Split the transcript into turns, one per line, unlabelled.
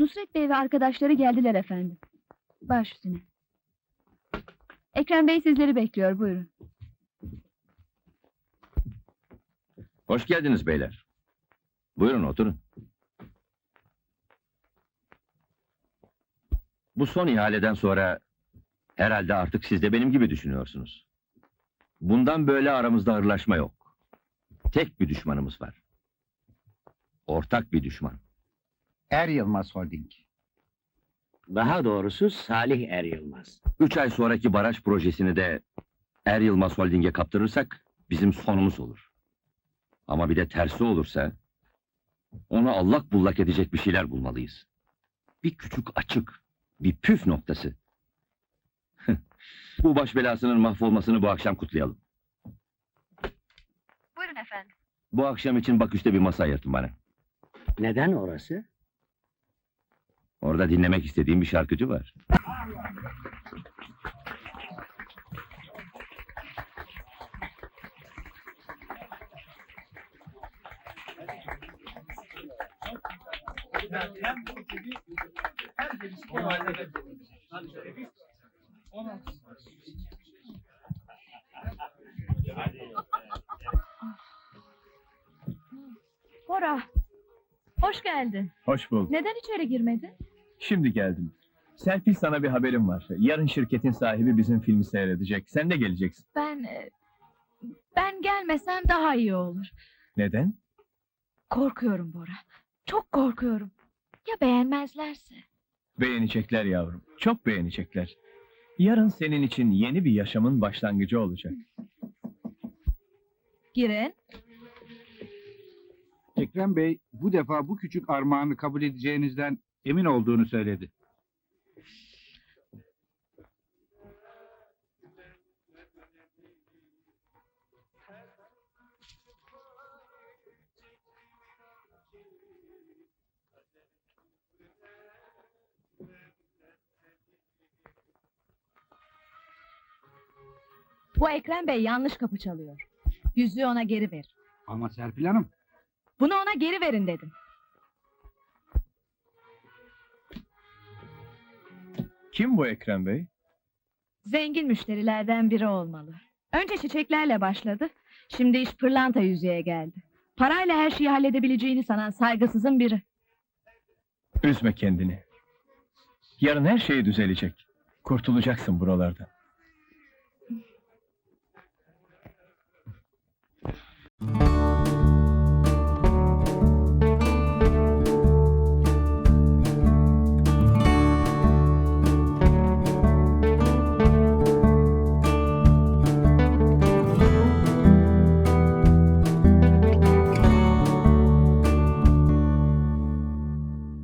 Nusret Bey ve arkadaşları geldiler efendim. Baş üstüne. Ekrem Bey sizleri bekliyor, buyurun.
Hoş geldiniz beyler. Buyurun oturun. Bu son ihaleden sonra herhalde artık siz de benim gibi düşünüyorsunuz. Bundan böyle aramızda hırlaşma yok. Tek bir düşmanımız var. Ortak bir düşman.
Er Yılmaz Holding.
Daha doğrusu Salih Er Yılmaz.
3 ay sonraki baraj projesini de Er Yılmaz Holding'e kaptırırsak bizim sonumuz olur. Ama bir de tersi olursa onu allak bullak edecek bir şeyler bulmalıyız. Bir küçük açık, bir püf noktası. Bu baş belasının mahvolmasını bu akşam kutlayalım.
Buyurun efendim.
Bu akşam için Baküs'te bir masa ayırtın bana.
Neden orası?
Orada dinlemek istediğim bir şarkıcı var.
Bora, hoş geldin.
Hoş bulduk.
Neden içeri girmedin?
Şimdi geldim. Serpil, sana bir haberim var. Yarın şirketin sahibi bizim filmi seyredecek. Sen de geleceksin.
Ben gelmesem daha iyi olur.
Neden?
Korkuyorum Bora. Çok korkuyorum. Ya beğenmezlerse?
Beğenecekler yavrum. Çok beğenecekler. Yarın senin için yeni bir yaşamın başlangıcı olacak.
Girin.
Ekrem Bey bu defa bu küçük armağanı kabul edeceğinizden emin olduğunu söyledi.
Bu Ekrem Bey yanlış kapı çalıyor. Yüzüğü ona geri ver.
Ama Serpil Hanım,
Bunu ona geri verin dedim.
Kim bu Ekrem Bey?
Zengin müşterilerden biri olmalı. Önce çiçeklerle başladı. Şimdi iş pırlanta yüzüğe geldi. Parayla her şeyi halledebileceğini sanan saygısızın biri.
Üzme kendini. Yarın her şey düzelecek. Kurtulacaksın buralardan.